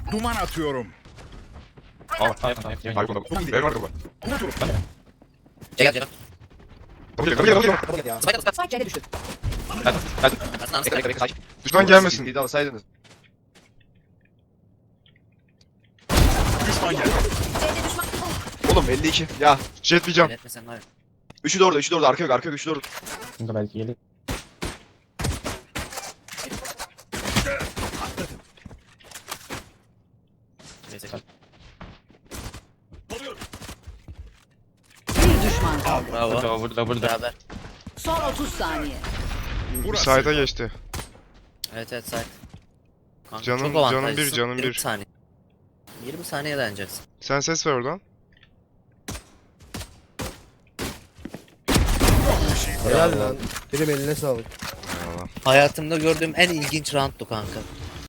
Duman atıyorum. Al. Hayır bunda. Ver var burada. Gel. Kapı gel. Spike C'de düştü. Hadi. Düşman gelmesin. Bir de alsaydınız. Düşman geldi. C'de düşman. Oğlum 52. Ya. Jet diyeceğim. Etmesen var ya. Üçü de orada, üçü de orada. Arka yok, arka yok, üçü de orada. Bunda belki gelir. Neyse. Bir düşman kaldı. Bravo. Burada. Beraber. Son 30 saniye. Bir side'a geçti. Evet side. Kanka, Canım- çok canım avantajlısın. bir, canım 20 bir. saniye. 20 saniye dayanacaksın. Sen ses ver oradan. Helal lan. Benim eline sağlık. Eyvallah. Hayatımda gördüğüm en ilginç rounddu kanka.